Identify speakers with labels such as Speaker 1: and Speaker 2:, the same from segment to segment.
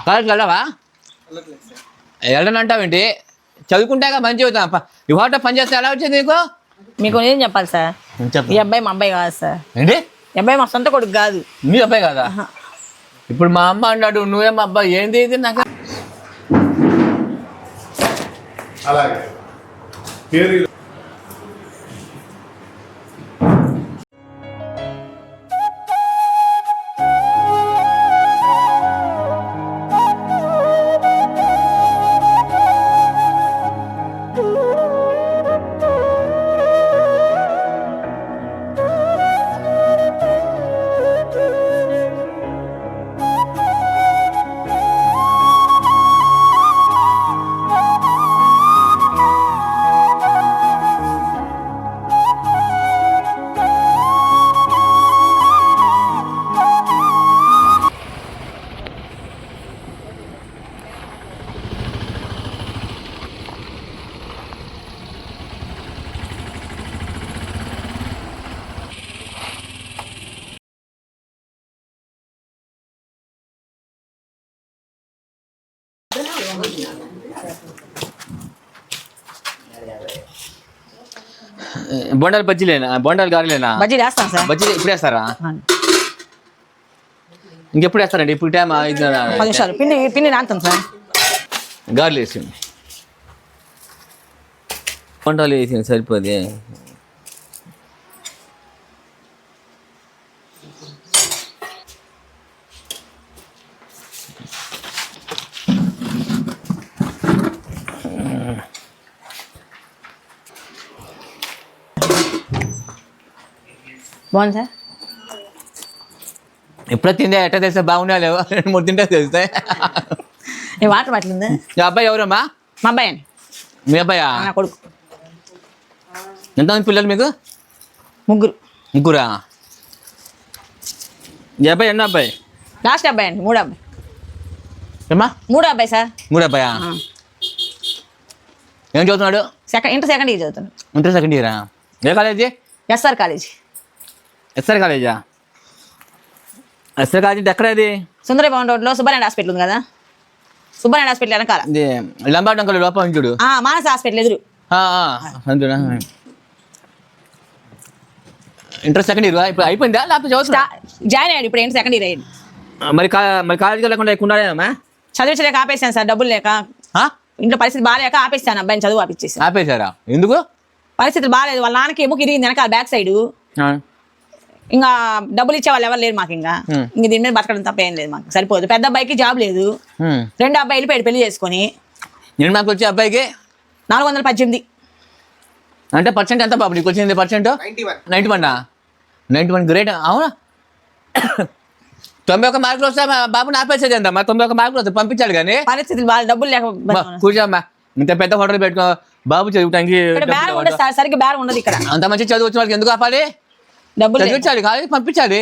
Speaker 1: కాలేజ్కి వెళ్ళవా? వెళ్ళనంటావేంటి? చదువుకుంటాక మంచి అవుతాం. ఈ హోటల్ పని చేస్తే ఎలా వచ్చింది నీకు?
Speaker 2: మీకు ఏం చెప్పాలి సార్? ఈ అబ్బాయి మా అబ్బాయి కాదు సార్.
Speaker 1: ఏంటి?
Speaker 2: ఈ అబ్బాయి మా సొంత కొడుకు కాదు.
Speaker 1: మీ అబ్బాయి కాదా? ఇప్పుడు మా అమ్మ అన్నాడు, నువ్వేం అబ్బాయి? ఏంది ఇది? నాకు
Speaker 3: అలాగే
Speaker 1: బొండాలు బజ్జీలేనా? బొండాలు గారెలేనా?
Speaker 2: బజ్జీ వేస్తాం సార్.
Speaker 1: బజ్జీ ఇప్పుడు వేస్తారా? ఇంకెప్పుడు వేస్తారండి? ఇప్పుడు టైం
Speaker 2: 10 నిమిషాలు పిండి నానుతాం సార్.
Speaker 1: గారెలు వేసింది, బొండాలు వేసింది సరిపోదు.
Speaker 2: బాగుంది సార్.
Speaker 1: ఎప్పుడో తిందే ఎట్లా తెలిస్తే బాగున్నా లేవు, 2-3 తింటే తెలుస్తాయి.
Speaker 2: ఈ వాటర్ పట్టింది.
Speaker 1: ఈ అబ్బాయి ఎవరమ్మా?
Speaker 2: మా అబ్బాయి అండి.
Speaker 1: మీ అబ్బాయా?
Speaker 2: నా కొడుకు.
Speaker 1: ఎంతమంది పిల్లలు మీకు? ముగ్గురా? ఈ అబ్బాయి ఎన్నో అబ్బాయి?
Speaker 2: లాస్ట్ అబ్బాయి అండి. 3 అబ్బాయి.
Speaker 1: ఏమ్మా?
Speaker 2: 3 అబ్బాయి సార్.
Speaker 1: 3 అబ్బాయా? ఏం చదువుతున్నాడు?
Speaker 2: ఇంటర్ సెకండ్ ఇయర్ చదువుతున్నాడు.
Speaker 1: ఇంటర్ సెకండ్ ఇయరా? ఏ కాలేజీ?
Speaker 2: SR college.
Speaker 1: ఎస్ఆర్ కాలేజా? ఎస్ఆర్ కాలేజీ ఎక్కడ? అది
Speaker 2: సుందర భవన్ రోడ్లో సుబ్బారెడ్డి హాస్పిటల్ ఉంది కదా, సుబ్బారెడ్డి హాస్పిటల్ వెనకాల.
Speaker 1: లంబాటంకల్ లోపల చూడు.
Speaker 2: మానస హాస్పిటల్ ఎదురు.
Speaker 1: అందునా? ఇంటర్ సెకండ్ ఇయర్ ఇప్పుడు అయిపోయిందా లేకపోతే చదువుతున్నా?
Speaker 2: జాయిన్ అయ్యాడు ఇప్పుడు. ఇంటర్ సెకండ్ ఇయర్ అయ్యాడు.
Speaker 1: మరి కాలేజీకి వెళ్ళకుండా ఎక్కువ ఉన్నాడేమా?
Speaker 2: చదివించలేక ఆపేసాను సార్. డబ్బులు లేక, ఇంట్లో పరిస్థితి బాగాలేక ఆపేసాను. అబ్బాయిని చదువు ఆపేసేసి.
Speaker 1: ఆపేశారా? ఎందుకు?
Speaker 2: పరిస్థితులు బాగాలేదు. వాళ్ళ నాన్నకి ఎముక ఇరిగింది వెనకాల బ్యాక్ సైడ్. ఇంకా డబ్బులు ఇచ్చే వాళ్ళు ఎవరు లేరు మాకు. ఇంకా దీని మీద బతకడం తప్ప ఏం లేదు మాకు. సరిపోదు. పెద్ద అబ్బాయికి జాబ్ లేదు. 2 అబ్బాయి వెళ్ళిపోయాడు పెళ్లి చేసుకొని.
Speaker 1: నేను మాకు వచ్చే అబ్బాయికి
Speaker 2: 418.
Speaker 1: అంటే పర్సెంట్ ఎంత బాబు నీకు వచ్చింది? Percent 91 great. అవునా? 91 మార్కులు వస్తే బాబుని ఆపేసేది ఎంత? 91 మార్కులు వస్తే పంపించాడు కానీ
Speaker 2: పరిస్థితులు బాగా డబ్బులు లేక.
Speaker 1: కూర్చోమ్మా, ఇంత పెద్ద హోటల్ పెట్టుకో బాబు చదువుతానికి.
Speaker 2: బేరం ఉండదు సార్, సరిగ్గా బేరం ఉండదు ఇక్కడ.
Speaker 1: అంత మంచి చదువు వచ్చిన వాళ్ళకి ఎందుకు ఆపాలి?
Speaker 2: డబ్బులు
Speaker 1: చదివించాలి, కాలేజీ పంపించాలి.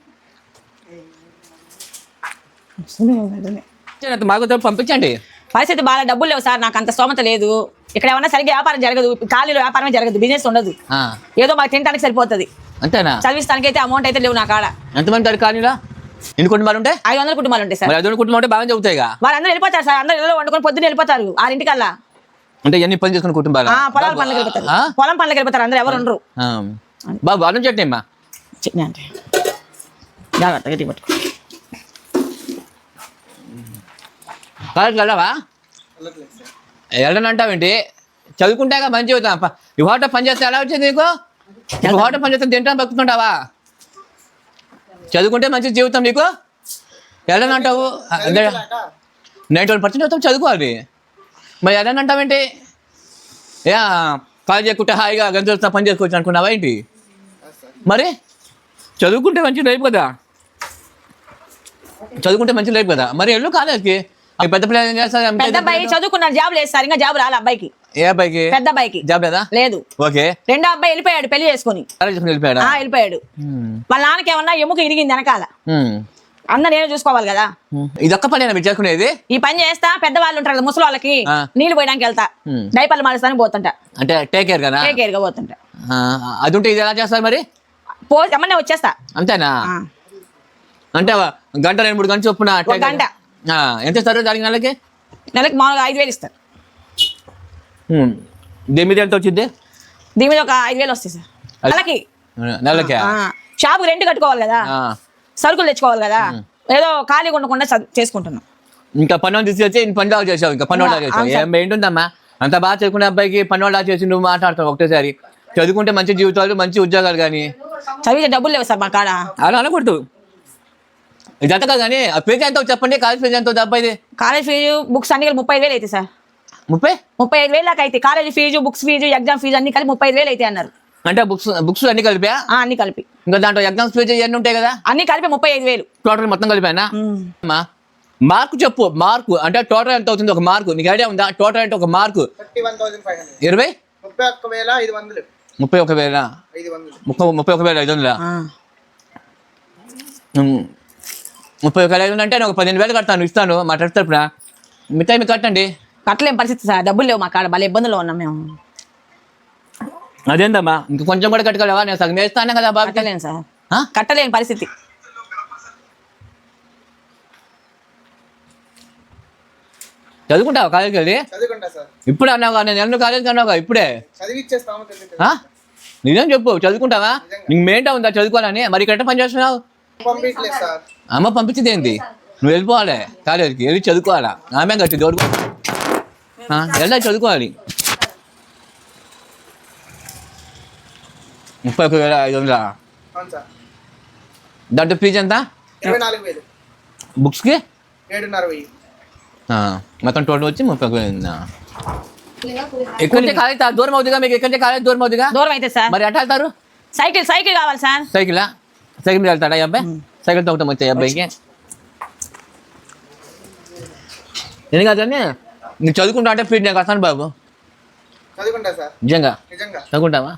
Speaker 1: మాకు పంపించండి.
Speaker 2: పరిస్థితి బాగా డబ్బులు లేవు సార్. నాకు అంత స్తోమత లేదు. ఇక్కడ ఏమన్నా సరిగ్గా వ్యాపారం జరగదు. ఖాళీలో వ్యాపారమే జరగదు, బిజినెస్ ఉండదు. ఏదో మాకు తినడానికి సరిపోతుంది.
Speaker 1: అంతేనా?
Speaker 2: చదివిస్తానికి అయితే అమౌంట్ అయితే లేవు నా కాడ.
Speaker 1: ఎంతమంది ఖాళీలో? ఎన్ని కుటుంబాలు ఉంటాయి?
Speaker 2: 500 కుటుంబాలు ఉంటాయి సార్.
Speaker 1: 500 కుటుంబాలు ఉంటే బాగా చదువుతాయి.
Speaker 2: వాళ్ళందరూ వెళ్ళిపోతారు సార్. అందరూ ఇళ్ళలో వండుకొని పొద్దున్న వెళ్ళిపోతారు 6
Speaker 1: అంటే ఎన్ని పని చేసుకున్న కుటుంబాలు?
Speaker 2: పొలం పనులకు వెళ్ళిపోతారు. పొలం పనులకు వెళ్ళిపోతారు. అందరూ ఎవరు ఉండరు.
Speaker 1: బాబు అన్నం చట్నీ అమ్మా.
Speaker 2: చట్నీ అంటే జాగ్రత్తగా పట్టుకో.
Speaker 1: కాలేజ్కి వెళ్ళవా? వెళ్ళనంటావేంటి? చదువుకుంటాక మంచి అవుతాం. ఈ హోటల్ పని చేస్తే ఎలా వచ్చింది నీకు? హోటల్ పని చేస్తే తింటాను బతుకుతుంటావా? చదువుకుంటే మంచి జీవితం నీకు. వెళ్ళనంటావు. 91% అవుతాం చదువుకోవాలి. మరి వెళ్ళనంటావేంటి? కాలేజ్ ఎక్కుంటే హాయిగా గంటలు పని చేసుకోవచ్చు అనుకున్నావా ఏంటి? మరి చదువుకుంటే మంచి లైఫ్ కదా. చదువుకుంటే మంచి లైఫ్ కదా. మరి వెళ్ళు కాలేజ్కి. పెద్ద పిల్లలు ఏం చేస్తారు?
Speaker 2: పెద్ద అబ్బాయి చదువుకున్నాడు, జాబ్ లేదు సార్. ఇంకా జాబ్ రాలే అబ్బాయికి.
Speaker 1: ఏ అబ్బాయికి?
Speaker 2: పెద్ద అబ్బాయికి
Speaker 1: జాబ్ లేదా?
Speaker 2: లేదు.
Speaker 1: ఓకే.
Speaker 2: 2వ అబ్బాయి వెళ్ళిపోయాడు పెళ్లి చేసుకుని. వెళ్ళిపోయాడు. వాళ్ళ నాన్నకి ఏమన్నా ఎముక ఇరిగింది వెనకాల. అందరు నేను చూసుకోవాలి కదా.
Speaker 1: ఇదొక్క పని మీరు చేసుకునేది?
Speaker 2: ఈ పని చేస్తా. పెద్దవాళ్ళు ఉంటారు కదా, ముసలి వాళ్ళకి నీళ్లు పోయడానికి వెళ్తా. డైపర్లు మారుస్తానికి పోతుంటా.
Speaker 1: అంటే టేక్ కేర్ కదా?
Speaker 2: టేక్ కేర్ గా పోతుంటా.
Speaker 1: అది ఉంటే ఇది ఎలా చేస్తారు మరి?
Speaker 2: ఏమన్నా వచ్చేస్తా.
Speaker 1: అంతేనా? అంటే గంట 2-3 గంటలు చొప్పున? ఎంత ఇస్తారు దానికి నెలకి?
Speaker 2: నెలకి మామూలుగా 5,000 ఇస్తారు.
Speaker 1: దీని మీద ఎంత వచ్చింది?
Speaker 2: దీని మీద ఒక 5,000 వస్తాయి సార్ నెలకి. షాపు రెంట్ కట్టుకోవాలి కదా, సరుకులు తెచ్చుకోవాలి కదా, ఏదో ఖాళీగా ఉండకుండా చేసుకుంటున్నాం.
Speaker 1: ఇంకా పన్ను తీసుకొచ్చి పన్ను చేసావు, ఇంకా పన్ను చేసావు. ఏంటుందమ్మా అంత బాగా చదువుకునే అబ్బాయికి పన్ను చేసి నువ్వు మాట్లాడతావు ఒకటేసారి. చదువుకుంటే మంచి జీవితాలు మంచి ఉద్యోగాలు, కానీ
Speaker 2: చదివితే డబ్బులు లేవు సార్ మా కాడ.
Speaker 1: అలా అనకూడదు. ఇదంతా కాదు కానీ ఆ ఫీజు ఎంత చెప్పండి, కాలేజ్ ఫీజు ఎంత అబ్బాయిది?
Speaker 2: కాలేజ్ ఫీజు బుక్స్ అన్ని 35,000 అయితే సార్. 35,000 దాకా అయితే college fees, books fees, exam fees అన్ని కలిపి 35,000 అయితే అన్నారు.
Speaker 1: అంటే బుక్స్ అన్ని కలిపా?
Speaker 2: అన్ని కలిపి.
Speaker 1: ఇంకా దాంట్లో ఎగ్జామ్స్ ఫీజు ఇవన్నీ ఉంటాయి కదా,
Speaker 2: అన్ని కలిపి 35,000
Speaker 1: టోటల్ మొత్తం కలిపానా? మార్కు చెప్పు, మార్కు అంటే టోటల్ ఎంత అవుతుంది ఒక మార్కు? నీకు ఐడియా ఉందా? టోటల్ అంటే ఒక మార్కు
Speaker 3: 31,500.
Speaker 1: 31,500. 31,500 అంటే నేను ఒక 15,000 కడతాను, ఇస్తాను మా ట్రస్ట్ తరపున. మిగతా మీకు కట్టండి.
Speaker 2: కట్టలేం పరిస్థితి సార్, డబ్బులు లేవు మా కాడ, భలే ఇబ్బందుల్లో ఉన్నాం మేము.
Speaker 1: అదేందమ్మా ఇంకా కొంచెం కూడా కట్టుకోలేవా? నేను సగం వేస్తాను కదా బాబు.
Speaker 2: కట్టలేను సార్, కట్టలేని పరిస్థితి.
Speaker 1: చదువుకుంటావా కాలేజీకి వెళ్ళి? ఇప్పుడు అన్నావుగా, నేను ఎన్నో కాలేజీకి అన్నావుగా ఇప్పుడే. నిజం చెప్పు, చదువుకుంటావా? నీకు మెయింటా ఉందా చదువుకోవాలని? మరి ఇక్కడ పని చేస్తున్నావు? అమ్మ పంపించింది ఏంటి? నువ్వు వెళ్ళిపోవాలి కాలేజీకి, వెళ్ళి చదువుకోవాలా. ఆమె కట్టి దోడుకో వెళ్ళా చదువుకోవాలి. 31,500. దాంట్లో ఫీజు ఎంత?
Speaker 3: 24,000.
Speaker 1: బుక్స్కి
Speaker 3: 7,500.
Speaker 1: మొత్తం టోటల్ వచ్చి 30,000. ఎక్కడ కాలేజ్ దూరం అవుతుందిగా మీకు? ఎక్కడ కాలేజ్ దూరం అవుతుందిగా?
Speaker 2: దూరం అయితే సార్
Speaker 1: మరి ఎట్లా వెళ్తారు?
Speaker 2: సైకిల్ కావాలి సార్.
Speaker 1: సైకిల్ మీద వెళ్తాడా ఈ అబ్బాయి? సైకిల్ తొక్కటం వచ్చాయి అబ్బాయికి. నేను కాదని నీకు చదువుకుంటా అంటే ఫీడ్ నేను వస్తాను బాబు. నిజంగా చదువుకుంటావా?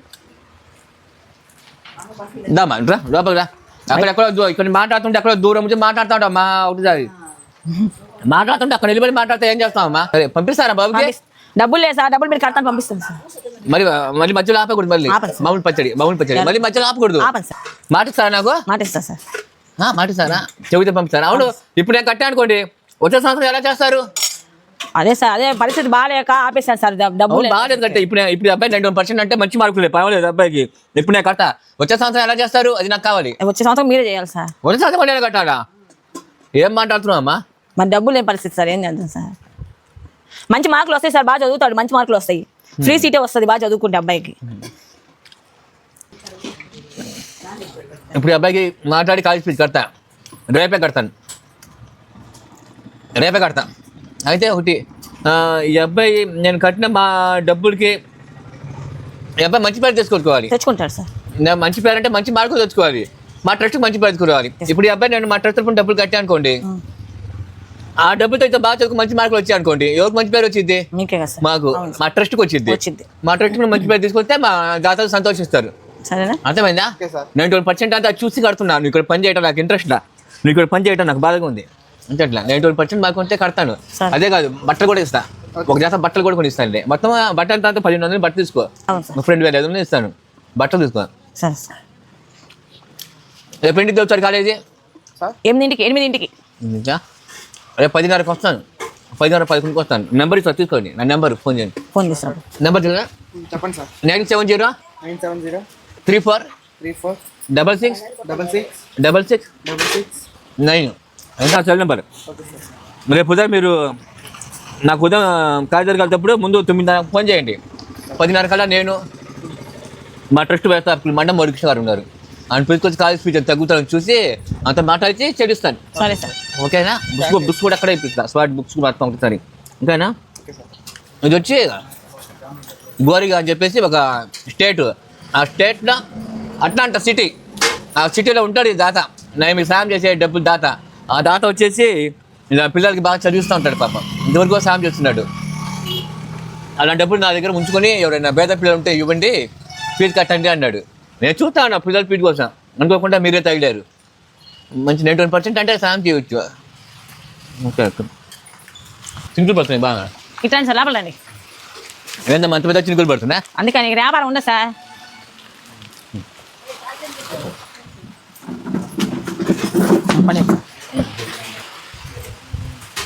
Speaker 1: దామా రా లోపలికి రా. అక్కడ ఎక్కడో ఇక్కడ మాట్లాడుతుంటే ఎక్కడో దూరం నుంచి మాట్లాడుతాడు అమ్మా. ఒకటిసారి మాట్లాడుతుంటే అక్కడ నిలబడి మాట్లాడితే ఏం చేస్తావమ్మా? సరే పంపిస్తారా బాబుకి?
Speaker 2: డబ్బులు లేదు సార్, డబ్బులు మీరు కడతాను పంపిస్తాను సార్.
Speaker 1: మరి మధ్యలో ఆపకూడదు. మళ్ళీ మామూలు పచ్చడి మళ్ళీ మధ్యలో ఆపకూడదు. మాటిస్తారా నాకు?
Speaker 2: మాటిస్తా సార్.
Speaker 1: మాటిస్తారా? చెబితే పంపిస్తారా? అవును, ఇప్పుడు నేను కట్టా అనుకోండి, వచ్చే సంవత్సరం ఎలా చేస్తారు?
Speaker 2: అదే సార్, అదే పరిస్థితి బాగాలేక ఆపేశాను సార్. డబ్బులు
Speaker 1: బాగాలేదు కట్టే. ఇప్పుడు అబ్బాయి 91% అంటే మంచి మార్కులు పర్వాలేదు అబ్బాయికి. ఇప్పుడు నేను కట్టా, వచ్చే సంవత్సరం ఎలా చేస్తారు? అది నాకు కావాలి.
Speaker 2: వచ్చే సంవత్సరం మీరే చేయాలి సార్.
Speaker 1: వచ్చే సంవత్సరం నేను కట్టాలా? ఏం మాట్లాడుతున్నావు అమ్మా?
Speaker 2: మరి డబ్బులు లేని పరిస్థితి సార్, ఏం చేద్దాం సార్? మంచి మార్కులు వస్తాయి సార్, బాగా చదువుతాడు, మంచి మార్కులు వస్తాయి, ఫ్రీ సీటే వస్తుంది బాగా చదువుకుంటే అబ్బాయికి.
Speaker 1: ఇప్పుడు అబ్బాయికి మాట్లాడి కాలేజ్ ఫీజు కడతా, రేపే కడతా. అయితే ఒకటి, ఈ అబ్బాయి నేను కట్టిన మా డబ్బులకి ఈ అబ్బాయి మంచి పేరు
Speaker 2: తెచ్చుకుంటాడు సార్.
Speaker 1: మంచి పేరు అంటే మంచి మార్కులు తెచ్చుకోవాలి, మా ట్రస్ట్కి మంచి పేరు తెచ్చుకోవాలి. ఇప్పుడు ఈ అబ్బాయి నేను మా ట్రస్ట్ తరపున డబ్బులు కట్టా అనుకోండి, ఆ డబ్బులతో అయితే బాగా చదువుకు మంచి మార్కులు వచ్చాయి అనుకోండి, ఎవరికి మంచి పేరు వచ్చింది? మాకు, మా ట్రస్ట్కి వచ్చింది. మా ట్రస్ట్ మంచి పేరు తీసుకొస్తే మా దాతలు సంతోషిస్తారు. అర్థమైందా? 91% అంతా చూసి కడుతున్నాను. నువ్వు ఇక్కడ పని చేయడం నాకు ఇంట్రెస్ట్, నువ్వు ఇక్కడ పని చేయడం నాకు బాధగా ఉంది అంటే అట్లా 91% మాకు ఉంటే కడతాను. అదే కాదు, బట్టలు కూడా ఇస్తా, ఒక జాత బట్టలు కూడా కొని ఇస్తాను. మొత్తం బట్టలు తర్వాత 1,500 బట్టలు తీసుకో, మా ఫ్రెండ్ 2,500 ఇస్తాను, బట్టలు తీసుకో. రేపు ఇంటికి వచ్చారు కాలేజీ?
Speaker 2: 8ంటికి.
Speaker 1: రేపు 10:30కి వస్తాను, 10:30-11కి వస్తాను. నెంబర్ ఇస్తా, తీసుకోండి. నా నెంబర్ ఫోన్ చేయండి. నెంబర్
Speaker 3: చెప్పండి సార్.
Speaker 1: 970 34 66 9 ఎంత సెల్ నెంబర్. రేపు ఉదయం మీరు నాకు ఉదయం కాలేజీ వెళ్తేప్పుడు ముందు 9:30 ఫోన్ చేయండి. 10:30 కల్లా నేను మా ట్రస్ట్ వ్యవస్థాపకులు మండం మోడికృష్ణ గారు ఉన్నారు, ఆయన పిలుచుకొచ్చి కాలేజ్ ఫీజు తగ్గుతారని చూసి అంత మాట్లాడిచి చెల్లిస్తాను.
Speaker 2: సరే సార్,
Speaker 1: ఓకేనా? బుక్స్ కూడా అక్కడే ఇప్పిస్తాను, స్మార్ట్ బుక్స్ మొత్తం ఒకసారి. ఓకేనా? ఇది వచ్చి గోరిగా అని చెప్పేసి ఒక స్టేట్, ఆ స్టేట్లో అట్లాంటా సిటీ, ఆ సిటీలో ఉంటాడు ఈ దాత, నేను మీకు సాయం చేసే డబ్బులు దాత. ఆ దాత వచ్చేసి ఇలా పిల్లలకి బాగా చదివిస్తూ ఉంటాడు పాపం, ఇంతవరకు సాయం చేస్తున్నాడు. అలాంటి డబ్బులు నా దగ్గర ఉంచుకొని ఎవరైనా పేద పిల్లలు ఉంటే ఇవ్వండి, ఫీజు కట్టండి అన్నాడు. నేను చూస్తాను పిల్లల ఫీజు కోసం, అనుకోకుండా మీరే తగిలారు. మంచి 91% అంటే సాయం చేయవచ్చు. ఓకే, సింకులు పడుతున్నాయి బాగా.
Speaker 2: ఇట్లాంటి సార్ లోపలండి.
Speaker 1: ఏందా మంచి పెద్ద చినుకులు పడుతుందా?
Speaker 2: అందుకని వ్యాపారం ఉండదు సార్.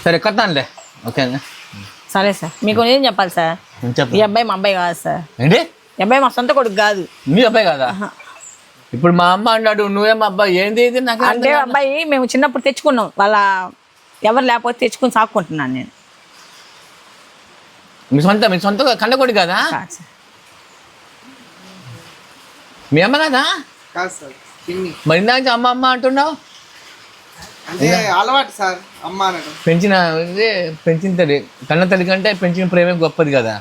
Speaker 1: సరే కట్టానులే ఓకేనా.
Speaker 2: సరే సార్ మీకు ఏం చెప్పాలి సార్,
Speaker 1: చెప్పు.
Speaker 2: ఈ అబ్బాయి మా అబ్బాయి కాదు సార్,
Speaker 1: ఏంటి
Speaker 2: ఈ అబ్బాయి మా సొంత కొడుకు కాదు.
Speaker 1: మీ అబ్బాయి కదా? ఇప్పుడు మా అమ్మ అన్నాడు నువ్వేం అబ్బాయి ఏంది ఇది నాకు
Speaker 2: అంటే అబ్బాయి మేము చిన్నప్పుడు తెచ్చుకున్నాం, వాళ్ళ ఎవరు లేకపోతే తెచ్చుకుని సాక్కుంటున్నాను నేను.
Speaker 1: మీ సొంత కన్నకొడి కదా?
Speaker 2: కాదు సార్.
Speaker 1: మీ అమ్మ కదా?
Speaker 3: కాదు సార్, పిన్ని.
Speaker 1: మరి ఇందాక అమ్మ అమ్మ అంటున్నావు.
Speaker 3: అంటే అలవాటు సార్ అమ్మ అనడం.
Speaker 1: పెంచిన తల్లి కన్న తల్లి కంటే పెంచిన ప్రేమే గొప్పది కదా.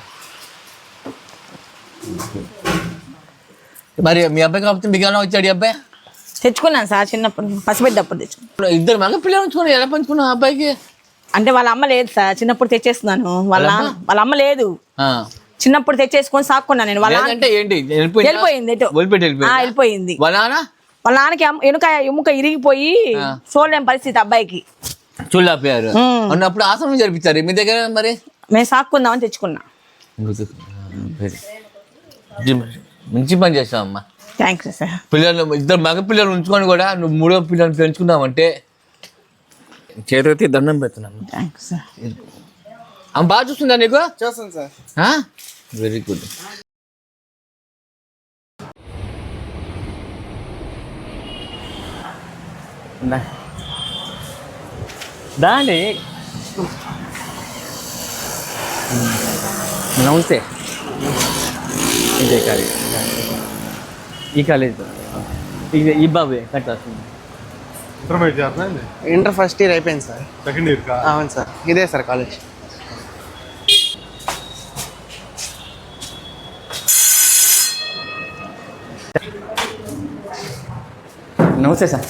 Speaker 1: మరి మీ అబ్బాయి కాకపోతే మీకు ఎలా వచ్చాడు ఈ అబ్బాయి?
Speaker 2: తెచ్చుకున్నాను సార్ చిన్నప్పుడు, పసిపెట్టప్పుడు తెచ్చుకున్నాను.
Speaker 1: ఇద్దరు మగ పిల్లలు ఉంచుకుని ఎలా పంచుకున్నావు అబ్బాయికి?
Speaker 2: అంటే వాళ్ళ అమ్మ లేదు సార్, చిన్నప్పుడు తెచ్చేస్తున్నాను. వాళ్ళ అమ్మ లేదు, చిన్నప్పుడు తెచ్చేసుకొని సాక్కున్నాను నేను.
Speaker 1: అంటే ఏంటి
Speaker 2: వెళ్ళిపోయింది ఎటు వెళ్ళిపోయింది.
Speaker 1: వాళ్ళ
Speaker 2: నాన్నకి ఎముక ఇరిగిపోయి చూడలేని పరిస్థితి అబ్బాయికి.
Speaker 1: చూడలేకపోయారు అన్నప్పుడు ఆశ్రమం జరిపించారు మీ దగ్గర. మరి
Speaker 2: మేము సాక్కుందామని తెచ్చుకున్నా.
Speaker 1: మంచి పని చేస్తావు అమ్మా.
Speaker 2: Thanks sir.
Speaker 1: పిల్లలు ఇద్దరు మగ పిల్లలు ఉంచుకొని కూడా నువ్వు మూడో పిల్లలు పెంచుకున్నావంటే చేతి దండం పెడుతున్నాను.
Speaker 2: Thanks sir.
Speaker 1: ఆమె బాగా చూస్తుందా నీకు?
Speaker 3: చూస్తాను సార్.
Speaker 1: Very good. దాండి నమస్తే. ఇదే కాలేజ్, ఈ కాలేజ్ ఈ బాబు కట్ వస్తుంది.
Speaker 3: ఇంటర్ ఫస్ట్ ఇయర్ అయిపోయింది సార్.
Speaker 4: సెకండ్ ఇయర్
Speaker 3: అవును సార్, ఇదే సార్ కాలేజ్.
Speaker 1: నమస్తే సార్.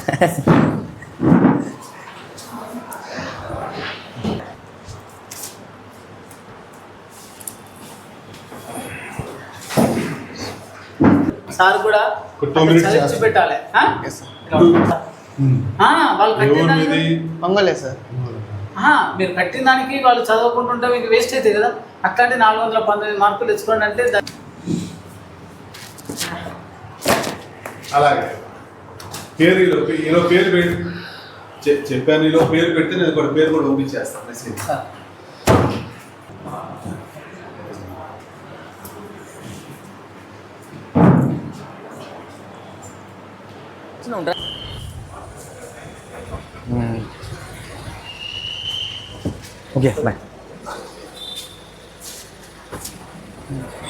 Speaker 5: సార్ కూడా చదివించి పెట్టాలి.
Speaker 3: Yes sir.
Speaker 5: వాళ్ళు కట్టిన దానికి
Speaker 3: పొంగలే సార్.
Speaker 5: మీరు కట్టిన దానికి వాళ్ళు చదవకుంటుంటే మీకు వేస్ట్ అవుతాయి కదా. అట్లాంటి 419 మార్కులు తెచ్చుకోండి అంటే
Speaker 4: అలాగే పేరు ఈలో పేరు పెట్టి చెప్పాను. ఈలో పేరు పెడితే నేను కూడా పేరు కూడా పంపించేస్తాను మెసేజ్.
Speaker 1: Okay bye.